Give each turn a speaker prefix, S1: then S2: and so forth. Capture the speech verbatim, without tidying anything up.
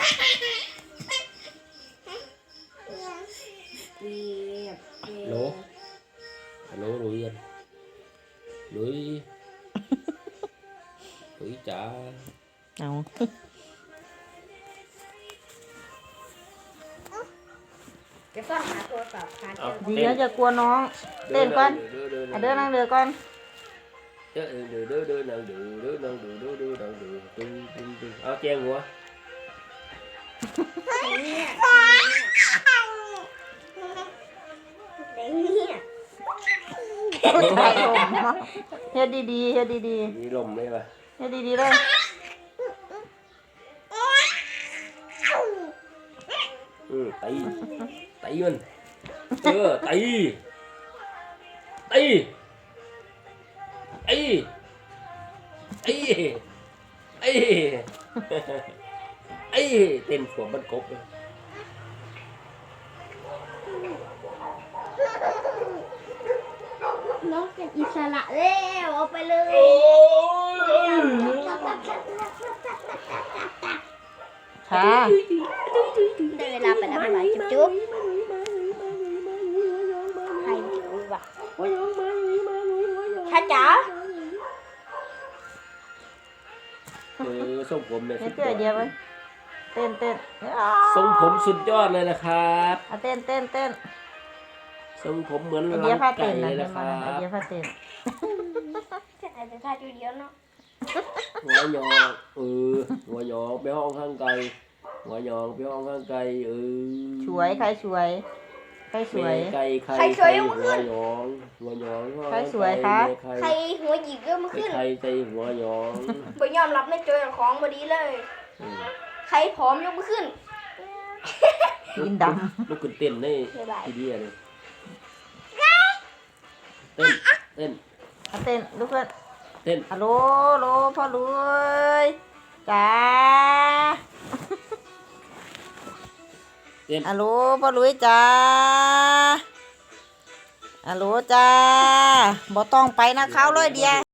S1: lố lố lối yên lối lối chả
S2: เอา
S3: จะซ่อนหาโทรศัพท์หาเจอ
S2: ดีแล้วจะกลัวน้องเต้นก่อนอ่ะเดินนั่งเรือก่อน
S1: đưa đưa đưa đưa nàng đưa đưa nàng đưa đưa đưa nàng đưa đưa đưa đưa áo chen của
S2: ถ่ายลมเนาะเฮ็ดดีๆเฮ็ดดี
S1: đi lùm đây mà
S2: ๆเฮ็ดดีๆเลย
S1: ừ tay tay mình ừ tay tay tay tay tay tay tên của bên cột rồi
S3: น้องเป็นอิสระแล้วเอาไปเลย
S2: ช้า
S3: ได้เวลาไปแล้วไหมจุ๊บจุ๊บให้ดูว่ะช้าจ๋า
S1: ừ sôngผมเนี่ย
S2: เฮ็
S1: สุ
S2: ด
S1: ด
S2: เดี
S1: ย
S2: ย
S1: อ
S2: ว
S1: ด
S2: เดียวไปเต้นเต้น
S1: ทรงผมสุดยอดเลยนะครับ
S2: อ่ะเต้นเต้นเต้น
S1: ทรงผมเหมือน
S2: ไอ
S1: ลัง
S2: เดียผ้า
S1: ไก่
S2: เต้น
S1: เล
S2: นะ
S1: ย
S2: เดี๋ย
S1: นะ
S2: ว
S1: ค
S2: มา
S1: รั
S2: ไอบ เดียผ้าเต้น
S3: อาจจะท่าจุดเดียวเนาะ
S1: หัวหยอกเออหัวหยอกไปห้องข้างไกลหัวหยอกไปห้องข้างไกลเออ
S2: สวยใครสวยใครสวย
S1: ไก่ไข่ไข่หัวหยองหัวหยอง
S2: ใครสวยคะ
S3: ใครหัวหยิกก็มาขึ้น
S1: ไข่ไข่หัวหยอง
S3: บ่ยอมรับในโจยของบดีเลย
S1: อืม
S3: ใครผอมยกมือขึ้น
S2: กินด
S1: ลูกขึ้นเต้นได้
S3: บ๊ายบาย
S1: ทีเดียวเลยเต้นเต้น
S2: ำอ่ะเต้นลูกเพื่อน
S1: เต้น
S2: ฮัลโหลฮัลโหลพ่อรวยจ้า
S1: เต้น
S2: ฮัลโหลพ่อรวยจ้าฮัลโหลจ้าบ่ต้องไปนะเขาเลยเดีย